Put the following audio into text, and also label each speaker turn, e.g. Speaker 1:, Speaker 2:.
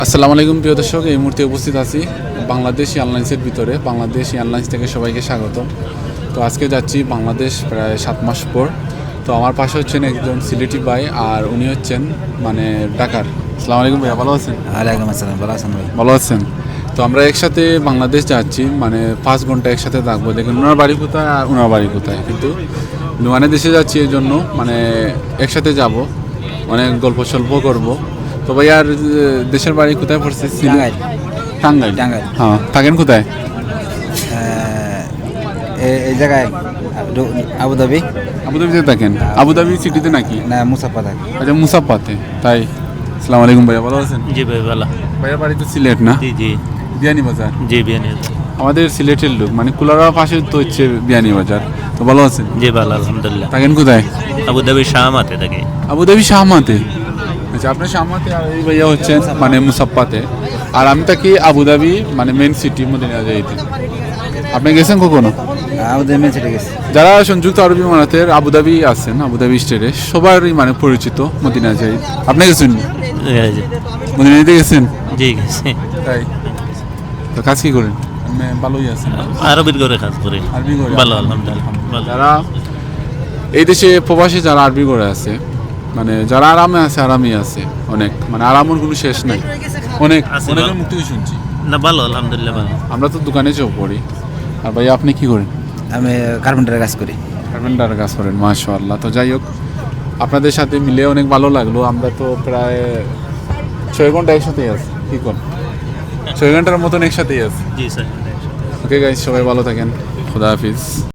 Speaker 1: আসসালামু আলাইকুম প্রিয় দর্শক, এই মুহূর্তে উপস্থিত আছি বাংলাদেশ এয়ারলাইন্সের ভিতরে। বাংলাদেশ এয়ারলাইন্স থেকে সবাইকে স্বাগতম। তো আজকে যাচ্ছি বাংলাদেশ প্রায় 7 মাস পর। তো আমার পাশে হচ্ছেন একজন সিলেটি ভাই, আর উনি হচ্ছেন মানে ঢাকার। আসসালামু আলাইকুম ভাইয়া, ভালো আছেন?
Speaker 2: ওয়ালাইকুম আসসালাম, ভালো আছেন ভাই?
Speaker 1: ভালো আছেন। তো আমরা একসাথে বাংলাদেশ যাচ্ছি, মানে 5 ঘন্টা একসাথে থাকবো। দেখুন ওনার বাড়ি কোথায় আর ওনার বাড়ি কোথায়, কিন্তু মানে দেশে যাচ্ছি এই জন্য মানে একসাথে যাব, অনেক গল্প সল্প করবো। তো ভাই আর দেশের বাড়ি কোথায় পড়ছে?
Speaker 2: টাঙ্গাইল।
Speaker 1: টাঙ্গাইল।
Speaker 2: টাঙ্গাইল।
Speaker 1: হ্যাঁ, থাকেন কোথায়?
Speaker 2: এই জায়গায় আবুধাবি।
Speaker 1: আবুধাবিতে থাকেন? আবুধাবি সিটিতে নাকি?
Speaker 2: না, মুসাফা থাকে।
Speaker 1: আচ্ছা, মুসাফাতে। তাই। আসসালামু আলাইকুম ভাইয়া, ভালো আছেন?
Speaker 3: জি ভাই ভালো।
Speaker 1: ভাইয়ার বাড়ি তো সিলেট না?
Speaker 3: জি জি
Speaker 1: বিয়ানী বাজার।
Speaker 3: জি বিয়ানি।
Speaker 1: আমাদের সিলেটের লোক, মানে কুলারা পাশে তো হচ্ছে বিয়ানী বাজার। তো ভালো আছেন?
Speaker 3: জি ভালো আলহামদুলিল্লাহ।
Speaker 1: থাকেন কোথায়?
Speaker 3: আবুধাবি শাহমাতে থাকি।
Speaker 1: আবুধাবি শাহমাতে। আচ্ছা, আপনার শাহমাতে, আর এই ভাইয়া হচ্ছেন মানে মুসাফাতে। আর আমি থাকি আবুধাবি, মানে মেন সিটি মদিনা যাইতে। আপনি গেছেন কখনো?
Speaker 2: আবুধাবি মেন সিটি গেছে।
Speaker 1: যারা সংযুক্ত আরব আমিরাতের আবুধাবি আছেন, আবুধাবি স্টেটে সবারই মানে পরিচিত মদিনা যাই। আপনি গেছেন? মদিনাতে গেছেন?
Speaker 3: জি গেছি।
Speaker 1: তাই। তো কাজ কি করেন? মানে ভালোই আছেন?
Speaker 3: আরবির ঘরে কাজ করি।
Speaker 1: আরবি করে?
Speaker 3: ভালো আলহামদুলিল্লাহ ভালো।
Speaker 1: যারা এই দেশে প্রবাসী, যারা আরবি করে আছে, মানে যারা আরামে আছে, আরামই আছে অনেক, মানে আরামের কোনো শেষ নাই। অনেক
Speaker 3: আছে
Speaker 1: অনেকের
Speaker 3: ভালো।
Speaker 1: মুখ থেকে শুনছি।
Speaker 3: না ভালো আলহামদুলিল্লাহ ভালো।
Speaker 1: আমরা তো দোকানে চোখ পড়ি। আর ভাই আপনি কি করেন?
Speaker 2: আমি কার্পেন্টারের কাজ করি।
Speaker 1: কার্পেন্টারের কাজ করেন, মাশাআল্লাহ। তো যাই হোক, আপনাদের সাথে মিলে অনেক ভালো লাগলো। আমরা তো প্রায় 6 ঘন্টা একসাথেই আছি। কি কর 6 ঘন্টার মতন একসাথেই আছি।
Speaker 3: জি স্যার।
Speaker 1: ওকে গাইস, সবাই ভালো থাকেন। খুদা হাফিজ।